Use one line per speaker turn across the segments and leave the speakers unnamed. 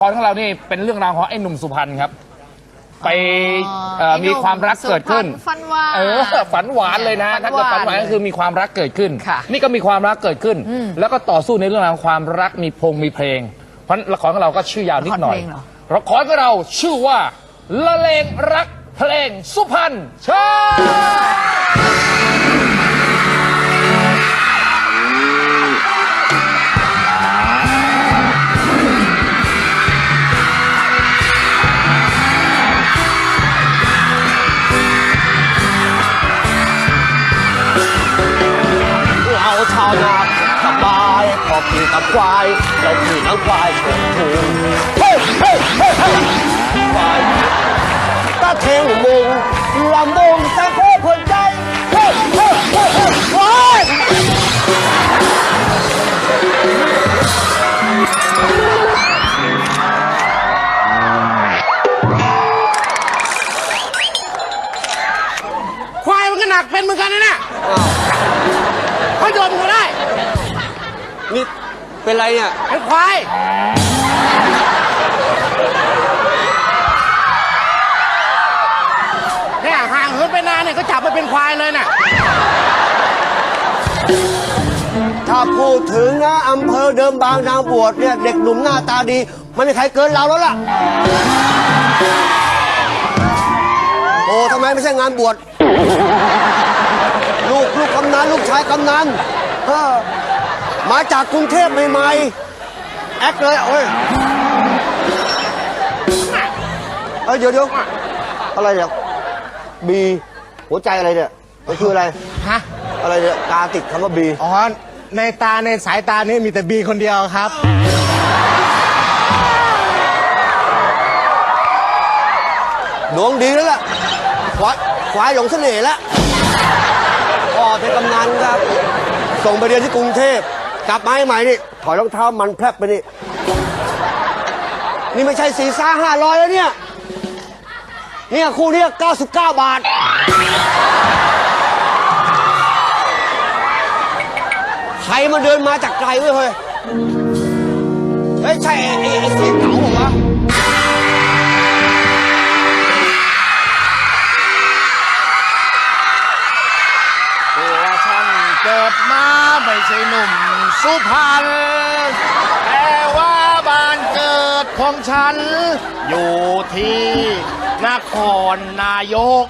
ตอนของเรานี่เป็นเรื่องราวของไอ้หนุ่มสุพรรณครับไปมีความรักเกิดขึ้น
ฝันหวาน
ฝันหวานเลยนะถ้าเกิดฝันหวานก็คือมีความรักเกิดขึ้นนี่ก็มีความรักเกิดขึ้นแล้วก็ต่อสู้ในเรื่องราวความรักมีเพลงเพราะละครของเราก็ชื่อยาวนิดหน่อยละครของเราชื่อว่าละเลงรักเพลงสุพรรณเชิญ
ชาวนาสบายพอขี่กับควายเราขี่ทั้งควายชนถูงเฮ้เฮ้เฮ้เฮ้ควายตาเทงมุงลำบงตาโคผลใจเฮ้เฮ้เฮ้เฮ้ควาย
ควายมันก็หนักเป็นเหมือนกันนะเนี่ยเขาโยนก็ได้
นี่เป็นไรเนี่ย
เป็นควายเนี่ยห่างเหินไปนานเนี่ยก็จับมาเป็นควายเลยน่ะ
ถ้าพูดถึงนะอำเภอเดิมบางนางบวชเนี่ยเด็กหนุ่มหน้าตาดีไม่มีใครเกินเราแล้วล่ะโอ้ทำไมไม่ใช่งานบวชลูกกำนันลูกชายกำนันมาจากกรุงเทพใหม่ๆแอคเลยโอ้ยเดี๋ยวอะไรเนี่ยบีหัวใจอะไรเนี่ยมันคืออะไร
ฮะ
อะไรเนี่ยตาติดคำว่าบี
อ๋อในตาในสายตานี่มีแต่บีคนเดียวครับ
ดวงดีแล้วล่ะควายหลงเสน่ห์แล้วพ่อเป็นกำนันครับส่งไปเรียนที่กรุงเทพกลับมาให้ใหม่นี่ถอยรองเท้ามันแพรบไปนี่ไม่ใช่400-500แล้วเนี่ยคู่นี้99 บาทใครมาเดินมาจากไกลเว้ยเฮ้ยใช่ไอ้เสียงเก๋าเหรอวะ
เกิดมาไม่ใช่หนุ่มสุพรรณแต่ว่าบ้านเกิดของฉันอยู่ที่นครนายก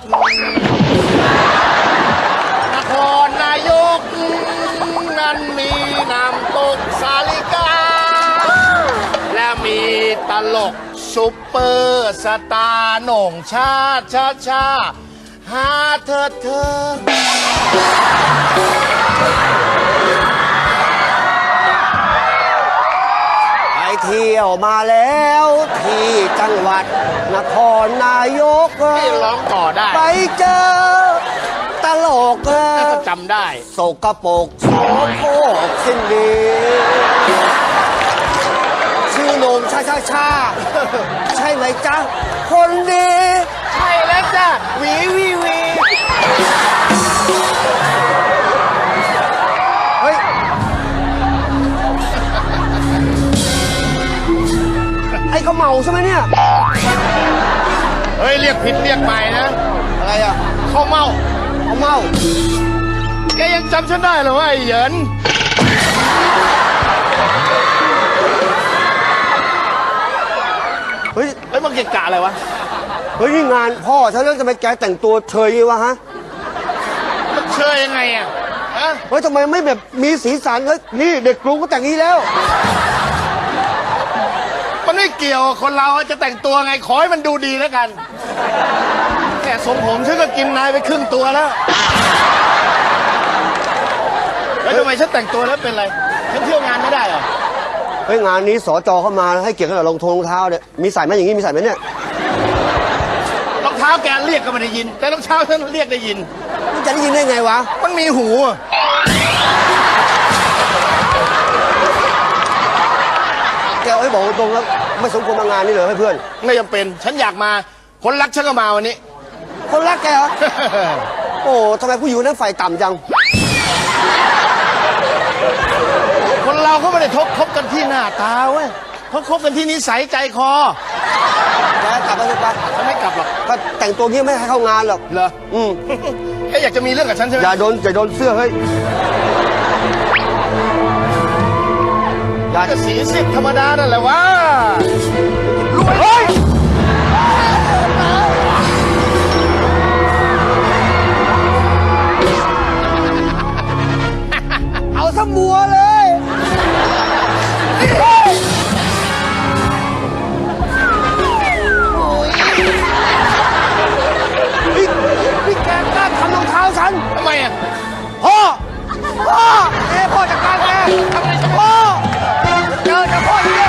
นครนายกนั้นมีน้ำตกสาลิกาและมีตลกซุปเปอร์สตาร์โหน่งชาหาเธอ
ไปเที่ยวมาแล้วที่จังหวัดนครนายก
ให้ร้องต่อได้
ไปเจอตลก
ก็จำได้
โศกโปกโสโครกสิ้นดีชื่อโหน่งชาใช่ไหมจ๊ะคนดี
ใช่แล้วจ้ะวี
เฮ้ยไอ้เขาเมาใช่ไหมเนี่ย
เฮ้ยเรียกผิดเรียกใหม่นะ
อะไรอ่ะ
เขาเมาแกยังจำฉันได้เหรอวะไอ้เหยิน
เฮ้ย
มันเกะกะอะไรวะ
เฮ้ยนี่งานพ่อฉันเรื่องจะไปแกแต่งตัวเชยวะฮะ
มันเชยยังไงอ่ะ
เฮ้ยทำไมไม่แบบมีสีสันเฮ้ยนี่เด็กกรุงก็แต่งนี้แล้ว
มันไม่เกี่ยวคนเราจะแต่งตัวไงขอให้มันดูดีแล้วกันแค่ทรงผมฉันก็กินนายไปครึ่งตัวแล้วทำไมฉันแต่งตัวแล้วเป็นไรฉันเที่ยวงานไม่ได้เหรอ
เฮ้ยงานนี้สจเข้ามาให้เกียรติขนาดรองเท้าเนี่ยมีใส่ไหมอย่างนี้มีใส่ไหมเนี่ย
รองเท้าแกเรียกก็ไม่ได้ยินแต่รองเท้าฉันเรียกได้ยิน
มันจะได้ยินได้ไงวะ
มันมีหู
แกบอกตรงแล้วไม่สมควรมางานนี้เลยให้เพื่อน
ไม่จำเป็นฉันอยากมาคนรักฉันก็มาวันนี้
คนรักแกเหรอ โอ้ทำไมผู้หญิงนั้นไฟต่ำจัง
คนเราเขาไม่ได้คบกันที่หน้าตาเว้ยเขาคบกันที่นิสัยใจคอ
แกกลับมาสิปะ
ฉันไม่กลับหรอก
ก็แต่งตัวงี้ไม่ให้เข้างานหรอก
เหรอ แค่อยากจะมีเรื่องกับฉันใช่ไหม
อย่าโดนเสื้อเฮ้ยอย่า
ก็สีเสียธรรมดานั่นแหละวะรวย
เฮ้ยเอาซะมัวเลยพี่แกกล้าทำรองเท้าฉัน
ทำไมอ่ะ
พ่อพ่อจัดการแกพ่อเจอจะพ่อเลย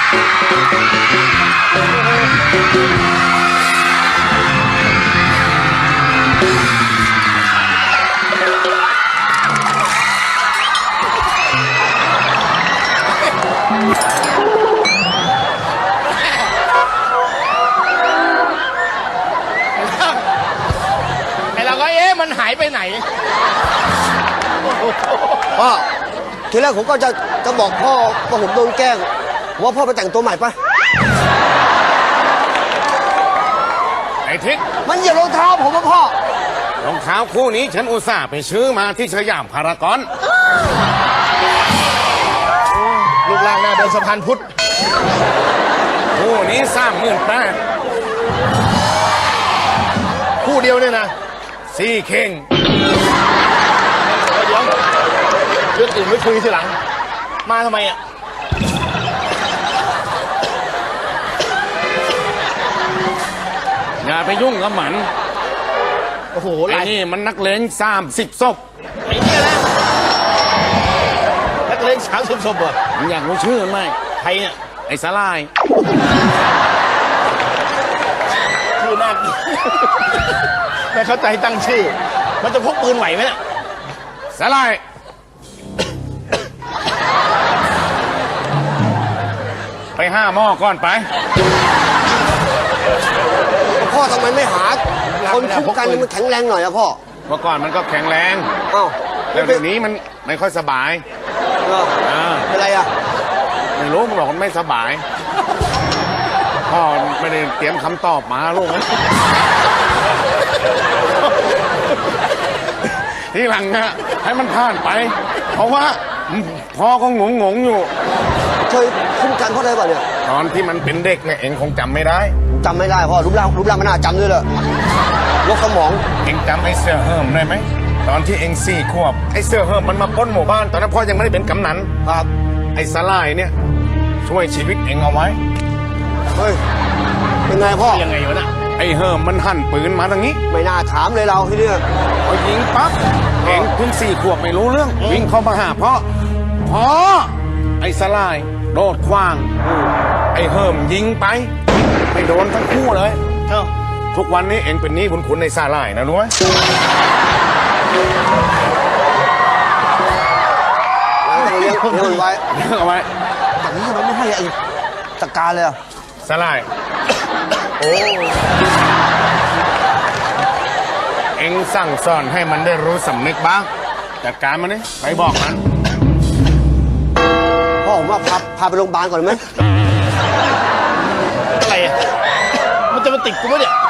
ไอเราก็มันหายไปไหน
พ่อทีแรกผมก็จะบอกพ่อว่าผมโดนแกล้งว่าพ่อไปแต่งตัวใหม่ปะ
ไอ้ทิศ
มันเหยียบรองเท้าผมว่าพ่อ
รองเท้าคู่นี้ฉันอุตส่าห์ไปซื้อมาที่สยามพารากอน
รูปร่างหน้าเดินสะพานพุทธ
คู่นี้38,000
คู่เดียวเนี่ยนะ
สี่เข่ง
เดี๋ยวเรื่องอื่นไม่คุยทีหลัง มาทำไมอ่ะ
อย่าไปยุ่งกับมัน
โอ้โห
ไอ้
ลาย
นี่มันนักเลง30 ศพ
ไอ้เนี่ยนะนักเลง30 ศพเหรอ
มึงอยากรู้ชื่อมันไหม
ใครเนี่ย
ไอ้สลาย
ชื่อน่ากิน ไม่เข้าใจตั้งชื่อ มันจะพกปืนไหวไหมเนี่ย
สลาย ไปห้าหม้อก่อนไป
พ่อทำไมไม่หาคนคุ้มกันมันแข็งแรงหน่อยอะพ่อ
เมื่อก่อนมันก็แข็งแรง
เอ้า
แล้วเดี๋ยวนี้มันไม่ค่อยสบาย
เหรอ
อ่า
เป็นไรอะ
ไม่รู้มันบอกมันไม่สบาย พ่อไม่ได้เตรียมคำตอบมาลูก ทีหลังนะให้มันผ่านไป เพราะว่าพ่อก็งงอยู่
เคยคุ้มกันพ่อได้ป่ะเนี่ย
ตอนที่มันเป็นเด็กเนี่ยเองคงจำไม่ได้
จำไม่ได้พ่อรูปร่างมันน่าจำด้วยเลยยกสมอง
เองจำไอ้เสื้อเฮิมได้ไหมตอนที่เอง4 ขวบไอ้เสื้อเฮิมมันมาปล้นหมู่บ้านตอนนั้นพ่อยังไม่ได้เป็นกำนัน
ครับ
ไอ้สลายเนี่ยช่วยชีวิตเองเอาไว้
เฮ้ยเป็นไงพ่อ
ยังไงวะน่ะ
ไอ้เฮิมมันหั่นปืนมาทางนี้
ไม่น่าถามเลยเราที่เนี่ย
พอยิงปั๊บเองเพิ่ง4 ขวบไม่รู้เรื่อง วิ่งเข้ามาหาพ่อไอ้สลายโดดขว้าง ไอ้เฮิมยิงไปไม่โดนทั้งคู่เลย
เอ้า
ทุกวันนี้เองเป็นหนี้บุญคุณในสลายนะรู้ไหม
เลี้ยงมันไว้
เรื่องเอาไว้
แต่นี้ทำไมไม่ให้ไอ้จัดการเลยอะ
สลาย
โอ้
เองสั่งสอนให้มันได้รู้สำนึกบ้างจัดการมันนี่ไปบอกมัน
พ่อผมว่าพาไปโรงพยาบาลก่อนไหม
อะไรอ่ะ มันจะมาติดกูไหมเนี่ย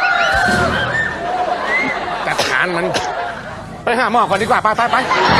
จัดการมัน ไปหาหมอก่อนดีกว่าไป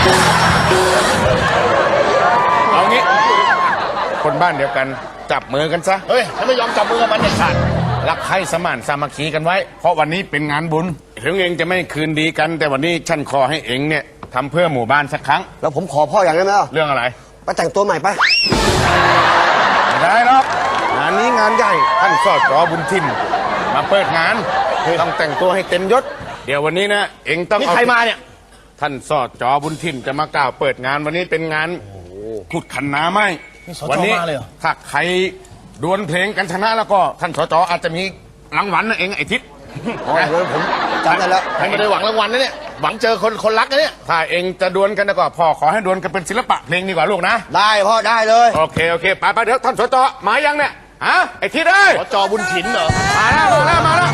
เอางี้ คนบ้านเดียวกันจับมือกันซะ
เฮ้ยฉันไม่ยอมจับมือกับมันเด็ดขาด
รักใคร่สมานสามัคคีกันไว้ เพราะวันนี้เป็นงานบุญถึงเองจะไม่คืนดีกัน แต่วันนี้ฉันขอให้เองเนี่ยทำเพื่อหมู่บ้านสักครั้ง
แล้วผมขอพ่ออย่างได้ไหมล่ะ
เรื่องอะไร
ไปแต่งตัวใหม่ไป
ไม่ได้หรอกงานนี้งานใหญ่ท่านสอดจอบุญทินมาเปิดงานต้องแต่งตัวให้เต็มยศ เดี๋ยววันนี้นะเองต้อง
นี่
เอา
ใครมาเนี่ย
ท่านสอดจอบุญทินจะมากล่าวเปิดงานวันนี้เป็นงานขุดขันน้ำไหม
นี่สจ
วันี้
มาเลยเหรอ
ถ้าใครดวลเพลงกันชนะแล้วก็ท่านสจอาจจะมีรางวัลนะเองไอ้ทิศ
อ๋ออย่างนั้นผมจำได้แล้ว
ฉันไม่ได้หวังรางวัลนะเนี่ย หวังเจอคนรักนะเนี่ย
ถ้าเองจะดวลกันแล้วก็พ่อขอให้ดวลกันเป็นศิลปะเพลงดีกว่าลูกนะ
ได้พ่อได้เลย
โอเคไปเดี๋ยวท่านสจมายังเนี่ยฮะไอ้ทิศเอ้ย
ขอจอบุญถินเหรอ
มาแล้ว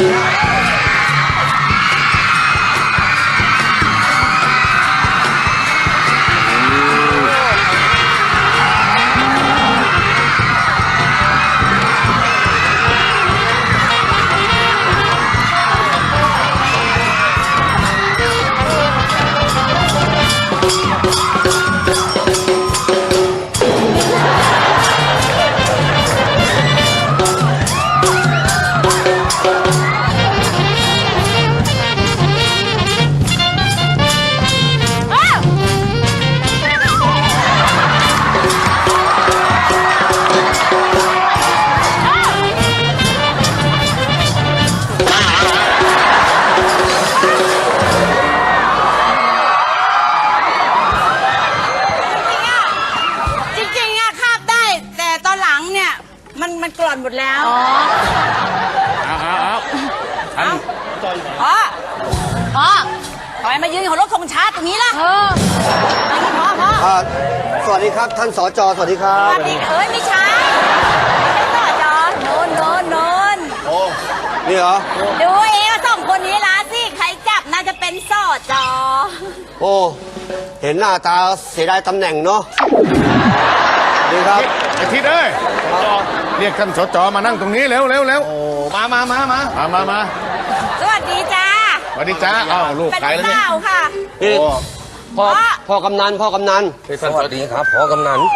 พ่อทำไมมายืนของรถธงชาติตรงนี้ล่ะพ่อ
สวัสดีครับท่านสจสวัสดีครั
ส
บ
วัสดีไม่ใช่ต่อจอโนน
นี่เหรอ
ดูเองว่าสองคนนี้ละสิใครจับน่าจะเป็นสอจอ
โอ้เห็นหน้าตาเสียดายตำแหน่งเนาะดีครับ
ไอ้ทิศเอ้ยเรียกท่านสจมานั่งตรงนี้เร็วโอ้มา
สวัสดีจ้า
สวัสดีจ้าอ้าวลูก
เป็น
ใครแล้วเนี่ย
สาวค่ะ
นี่
โอ้
พ่อกำนันสวัสดีครับพ่อกำนัน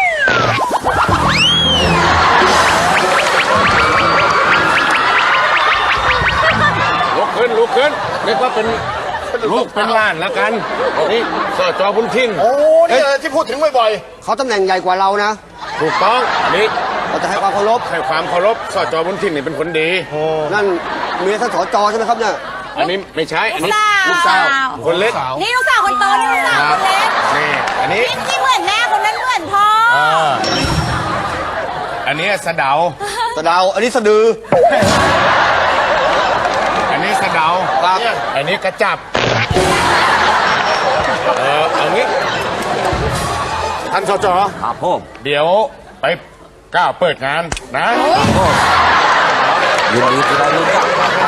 ลุกขึ้นเรียกว่าเป็นลูกเป็นหล้านแล้วกันนี่สจบุญทิ้งโอ้นี่ที่พูดถึงบ่อย
เขาตำแหน่งใหญ่กว่าเรานะ
ๆถูกต้องอันนี้
เราจะให้ความเคารพ
ให้ความเคารพสจบุญทิ้งนี่เป็นคนดี
นั่นเมียท่านสจใช่ไหมครับเนี่ย
อันนี้ไม่ใช่อันนี้
ลูกสาว
คนเล็ก
นี่ลูกสาวคนโตนี่ลูกสาวคนเล็ก
นี่อันนี้
นี่เหมือนแม่คนนั้นเหมือนพ่อ
อันนี้สะเดา
สะดาวอันนี้สะดือ
อันนี้สะเดา
ครับ
อันนี้กระจับเอางี้ท่านสจ
ครับผม
เดี๋ยวไปก้าวเปิดงานนะ
ยินดีที่ได้รู้จัก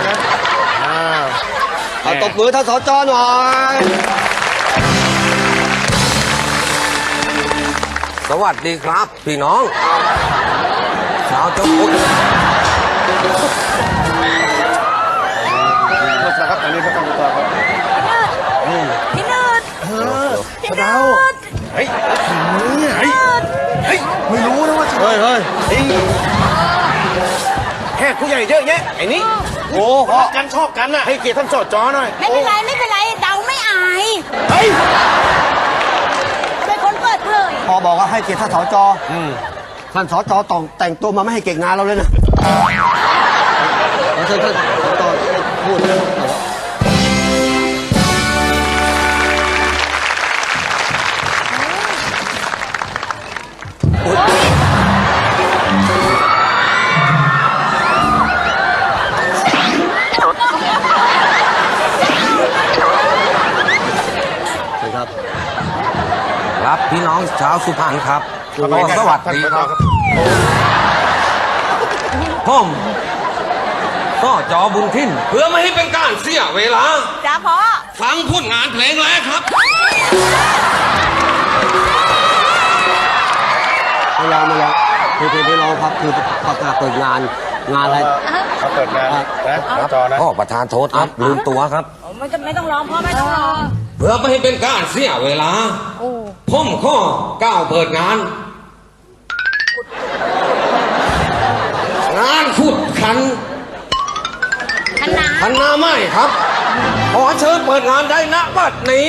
เอาตบมือท่านสจหน่อย
สวัสดีครับ พี่น้องชาวจังหวัด
ครับอันนี้ท่านสจครับ
พี่นืดพี่นืด
เฮ้ยไม่รู้นะว่า
เฮ้ย
แขกผู้ใหญ่เยอะแยะไอ้นี่โอ้กันชอบกันน่ะให้เกียรติท่านสจหน่อย
ไม่เป็นไรเดาไม่อาย
เฮ้ย
เป็นคนเปิดเผย
พอบอกว่าให้เกียรติท่านสจท่านสจต้องแต่งตัวมาไม่ให้เก่งงานเราเลยนะท่านสจพูดเลย
ครับพี่น้องชาวสุพรรณครับก็สวัสดีครับผมก็จอบุญทิ้นเพื่อไม่ให้เป็นการเสียเวลา
จ้าพ่อ
ฟังผลงานเพลงแรกครับ
ไม่ยอมไม่รอครับคือประกาศเปิดงานอะไร
เขาเปิดงานนะสจนะ
พ่อประธานโทษครับลืมตัวครับ
ไม่ต้องร้องพ่อไม่ต้องร้อง
เพื่อไม่ให้เป็นการเสียเวลาผมข้อก้าวเปิดงาน งานขุดขัน
คณะ
พันนาไม่ครับ ขอเชิญเปิดงานได้ณบัดนี้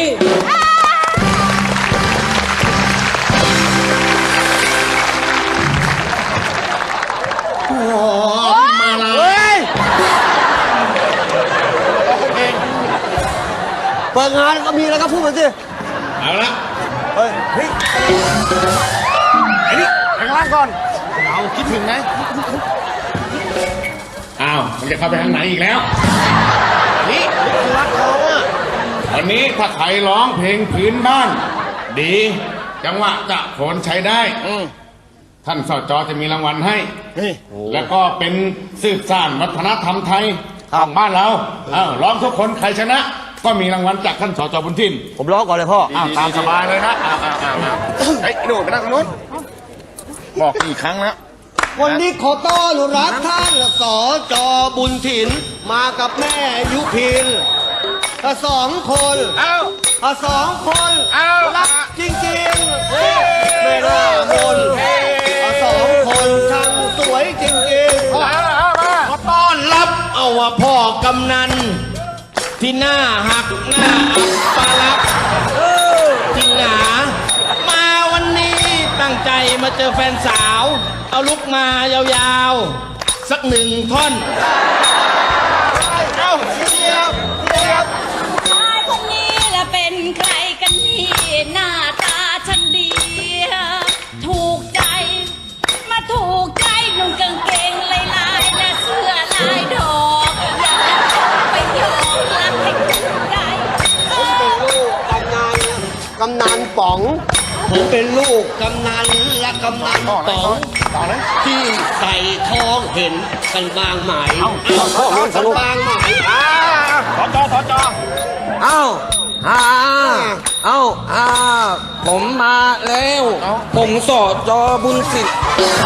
เปิดงานก็มีแล้วก็พูดมาสิ
เอาละ
เฮ้ย
ไอ้นี่ข้างล่างก่อนเราคิดถึงไหมอ้าวมันจะเข้าไปทางไหนอีกแล้วนี่รักเขาอ่ะวันนี้ถ้าใครร้องเพลงพื้นบ้าน ดี จังหวะจะโขนใช้ได้ท่านสจจะมีรางวัลให้แล้วก็เป็นสืบสานวัฒนธรรมไทยของบ้านเราร้องทุกคนใครชนะ ก็มีรางวัลจากท่านสจบุญทิน
ผมร้องก่อนเลยพ่อ
ตามสบายเลยนะเฮ้ยหนูไปนั่งตรงนู้นบอกกี่ครั้งแล้ว
วันนี้ขอต้อนรับท่านสจบุญถิ่นมากับแม่ยุพินสองคน
เอ้า
สองคน
เอ้า
รักจริงๆไม่น่ามนสองคนช่างสวยจริงๆ
ขอต้อนรับเอาว่าพ่อกำนัน ที่หน้าหักหน้าอับปลักจริงหนามาวันนี้ตั้งใจมาเจอแฟนสาว เอาลุกมายาวๆ สักหนึ่งท่อน
ชายคนนี้ละเป็นใครกันนี่หน้าตาฉันดี ถูกใจ มาถูกใจนุ่งกางเกงลายๆและเสื้
กำนันป๋อง ผมเป็นลูกกำนันและกำนันป๋องที่ใส่ทองเห็นกันบางไหมกันบางไหม
เอ้าผมมาแล้วผมสอจอบุญสิทธิ์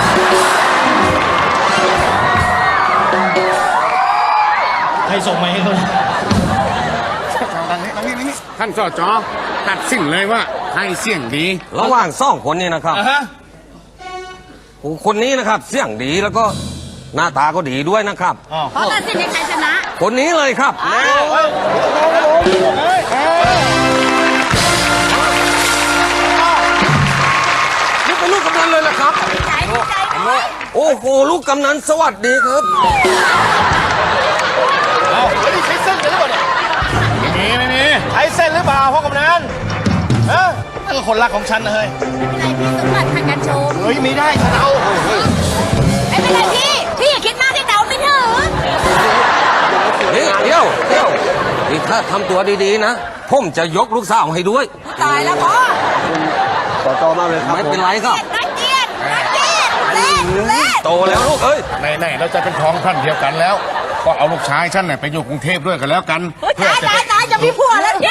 ใครส่งมาให้เขา
ท่านสจตัดสินเลยว่าใครเสียงดี
ระหว่างสองคนนี้นะครับคนนี้นะครับเสียงดีแล้วก็หน้าตาก็ดีด้วยนะครับ
เพราะตัดสินให้ใครชนะ
คนนี้เลยครับนี่เป็นลูกกำนันเลยเหรอครับ
ใจดีใจด้วย
โอ้โหลูกกำนันสวัสดีครับ
ไม่มีใช้เส้นหรือเปล่าพ่อกำนันเออนั่นก็คนรักของฉันนะเฮ้ย
ไม่เป็นไรพี่สมบัติทางการโชว์
เฮ้ยไม่ได้ฉันเอา
ไม่เป็นไรพี่อย่าคิดมากที่เดาไม่ถึง
นี่เดี๋ยวนี่ถ้าทำตัวดีๆนะ ผมจะยกลูกสาวให้ด้วย
ตายแล้วพ่อ
สจมากเลยครับ
ไม่เป็นไรครับ
นักเกียรติเล่น
โตแล้วลูกเอ้ย
ไหนๆเราจะเป็นท้องท่านเดียวกันแล้ว ก็เอาลูกชายฉันเนี่ยไปอยู่กรุงเทพด้วยกันแล้วกัน
ตายจะมีผัวแล้วเนี่ย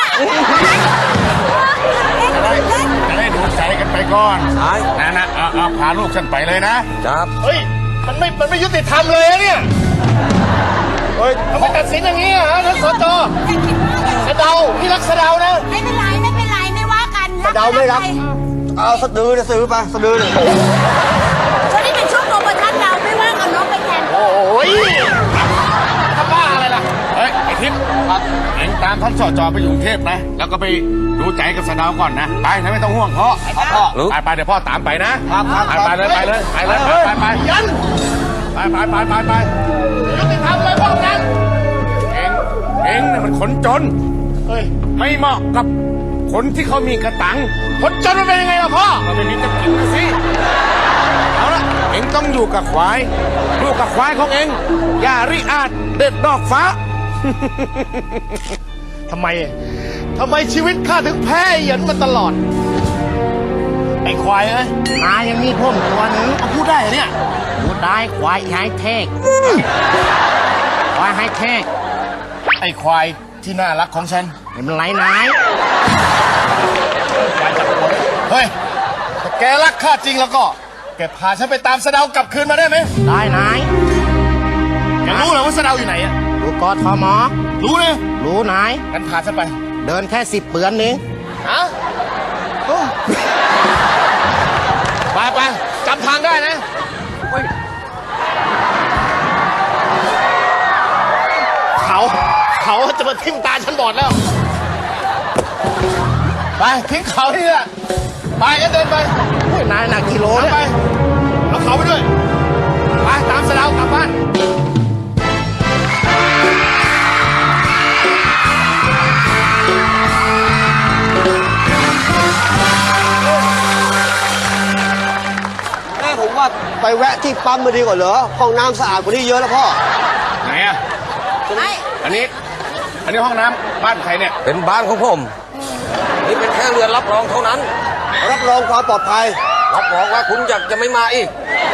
จะได้ดูใจกันไปก่อน
ใช่
นะเอาพาลูกฉันไปเลยนะ
ครับ
เฮ้ยมันไม่ยุติธรรมเลยอะเนี่ยเฮ้ยทำไมตัดสินอย่างนี้อะฮะท่านสจสะเดาพี่รักสะเดานะ
ไม่เป็นไรไม่ว่ากัน
เดาไม่รับ เอาสะดือเนี่ยซื้อไปสะดือเนี่ย
ช่วงนี้เป็นช่วงโปรโมชั่นเราไม่ว่าเอาน้องไปแทน
โอ้ยถ้าบ้าอะไรล่ะเฮ้ยไอ้ทิพย์เอ็งตามท่านสจไปอยู่กรุงเทพนะแล้วก็ไปดูใจกับสะเดาก่อนนะไปนะไม่ต้องห่วงพ่อไปเดี๋ยวพ่อตามไปนะไปเลยยันไปยุติธรรมเลยพ่อกันเอ็งน่ะมันคนจนเฮ้ยไม่เหมาะกับคนที่เขามีกระตังคนจนมันเป็นยังไงล่ะพ่อมันไม่มีจะกินนะสิเอาละเอ็งต้องอยู่กับควายอยู่กับควายของเอ็งอย่าริอาจเด็ดดอกฟ้า ทำไมชีวิตข้าถึงแพ้เหยินมาตลอด ไอ้ควายเอ้ยมาอย่างนี้พ่มตัวหนึ่งเอาพูดได้เหรอเนี่ยพูดได้ควายไฮเทคควายไฮเทคไอ้ควายที่น่ารักของฉันเห็นมันไหลนายควายจับตัวเฮ้ยถ้าแกรักข้าจริงแล้วก็แกพาฉันไปตามสะเดากลับคืนมาได้ไหมได้นายแกรู้เหรอว่าสะเดาอยู่ไหนอะรู้กทมรู้เลยรู้นายงั้นพาฉันไป เดินแค่10 เปือนนี้ฮะไปจำทางได้นะเขาจะมาทิ่มตาฉันบอดแล้ว ไปทิ้งเขาที่นี่ไปก็เดินไปนายหนักกิโลเนี่ยไปเอาเขาไปด้วยไปตามสะเดากลับบ้าน
ผมว่าไปแวะที่ปั๊มมาดีกว่าเหรอห้องน้ำสะอาดกว่านี้เยอะแล้วพ่อ
ไหนอ่ะ อันนี้ห้องน้ำบ้านใครเนี่ย
เป็นบ้านของผม นี่เป็นแค่เรือนรับรองเท่านั้น
รับรองความปลอดภัย
รับรองว่าคุณอยากจะไม่มาอีก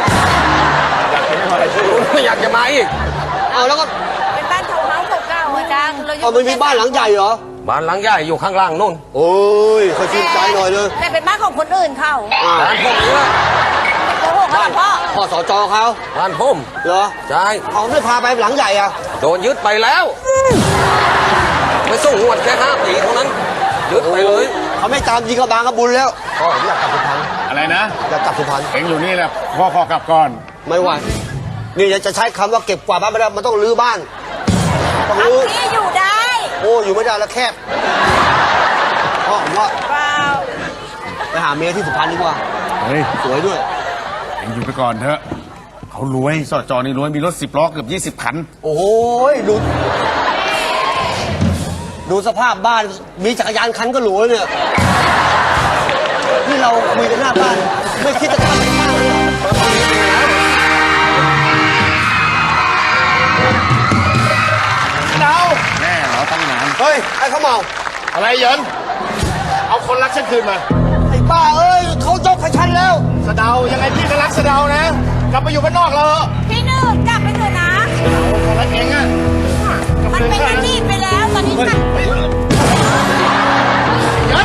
คุณไม่อยากจะมาอีก
เอาแล้วก็
เป็นบ้านทาวน์เฮาส์เก่าๆอาจารย์เราอยู่
เอามันมีบ้านหลังใหญ่เหรอ
บ้านหลังใหญ่อยู่ข้างล่างนู่น
โอ้ยขอชื่นใจหน่อยเลย
แต่เป็นบ้านของคนอื่นเขา
บ้านผมนี่แหละ
โกหกเขาหรอพ่อ
พ่อสจเขา
บ้านผม
เหรอ
ใช่
เขาไม่พาไปหลังใหญ่อะ
โดนยึดไปแล้วไปส่งงวดแค่5 ปีเท่านั้นยึดไปเลย
เขาไม่ตามยิงกระบางกระบุญแล้วพ่อผมอยากกลับสุพรรณ
อะไรนะ
อยากกลับสุพรรณ
เอ็งอยู่นี่แหละพ่อกลับก่อน
ไม่ไหวนี่จะใช้คำว่าเก็บกวาดบ้านไม่ได้มันต้องรื้อบ้านต้องรื้อ
ที่อยู่ได้
โอ้อยู่ไม่ได้แล้วแคบพ่อผมว่า
เปล่า
ไปหาเมียที่สุพรรณดีกว่า
เฮ้ย
สวยด้วย
เอ็งอยู่ไปก่อนเถอะเขารวยสจนี่รวยมีรถ10 ล้อเกือบ20 คัน
โอ้ยดูสภาพบ้านมีจักรยานคันก็หรูแล้วเนี่ยนี่เราคุยกันหน้าบ้านไม่คิดจะทำเป็นบ้านเลยเหรอ
เดาแน่เหรอตั้งนาน
เฮ้ยไอ้เขาเมา
อะไรเหยินเอาคนคนรักฉันคืนมา
ไอ้บ้าเอ้ยเขายกให้ฉันแล้ว
สะเดายังไงพี่ก็รักสะเดานะ กลับไปอยู่บ้านนอกเรา
พี่หนึ่งกลับไปเถอะนะ
รักเองอะ
มันเป็นอดีตไปแล้วตอนนี้ฉัน
ยัน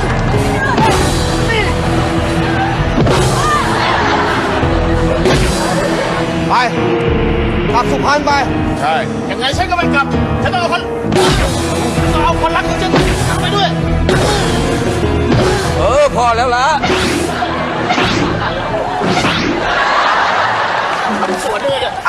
ไปกลับสุพรรณไป
ใช่ยังไงฉันก็ไม่กลับ ฉันต้องเอาคนรักของฉันกลับไปด้วย
พอแล้วละ
สวนด้วยเนี่ย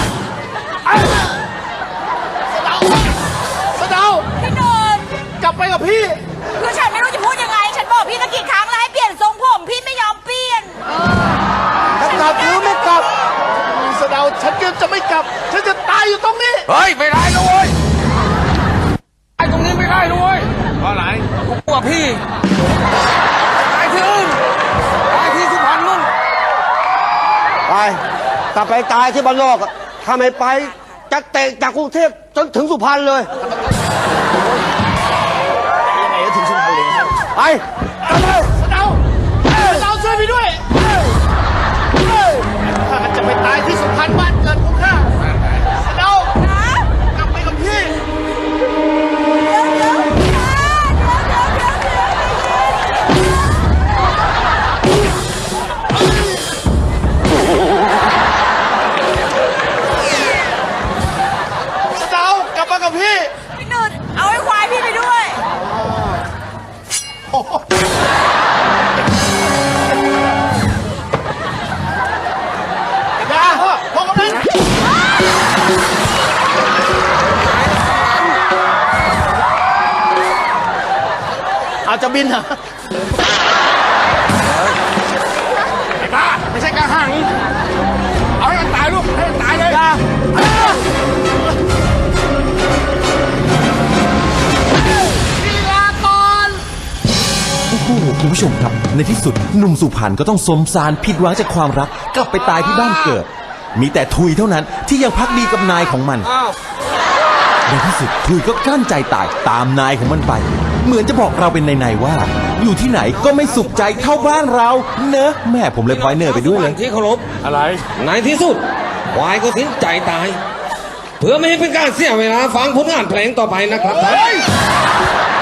สะเดา
พี่หนึ่ง
กลับไปกับพี่
คือฉันไม่รู้จะพูดยังไง ฉันบอกพี่ตั้งกี่ครั้งแล้วให้เปลี่ยนทรงผมพี่ไม่ยอมเปลี่ยน
จะกลับหรือไม่กลับ
สะเดาฉันก็จะไม่กลับ ฉันจะตายอยู่ตรงนี้
เฮ้ยไม่ได้นะเว้ยไอ้ตรงนี้ไม่ได้นะเว้ย
เพราะอะไร
กูกลัวพี่ตายที่อื่นตายที่สุพรรณนู่น
ไปกลับไปตายที่บ้านนอกอะถ้าไม่ไปจะเตะจากกรุงเทพจนถึงสุพรรณเลย
ยังไงก็ถึงสุพรรณเลย
ไปกลับไป
สะเดาช่วยพี่ด้วยข้าจะไปตายที่สุพรรณบ้านเกิดของข้าสะเดากลับไปกับพี่ สะเดากลับมากับพี่
พี่หนึ่งเอาไอ้ควายพี่ไปด้วย
อย่าพ่อกำนันอาจจะบินเหรอไอ้บ้าไม่ใช่กระหัง เอาให้มันตายลูก ให้มันตายเลยลีลาก่อน
โอ้โหคุณผู้ชมครับ ในที่สุดหนุ่มสุพรรณก็ต้องสมสารผิดหวังจากความรักกลับไปตายที่บ้านเกิด มีแต่ทุยเท่านั้นที่ยังพักดีกับนายของมันในที่สุดทุยก็กลั้นใจตายตามนายของมันไป เหมือนจะบอกเราเป็นในๆว่า อยู่ที่ไหนก็ไม่สุขใจเท่าบ้านเราเนอะแม่ผมเลยพลอยเนอร์ไปด้วยเลย
ที่เคารพ
อะไร
ในที่สุดควายก็สิ้นใจตาย เพื่อไม่ให้เป็นการเสียเวลาฟังผลงานเพลงต่อไปนะครับท่าน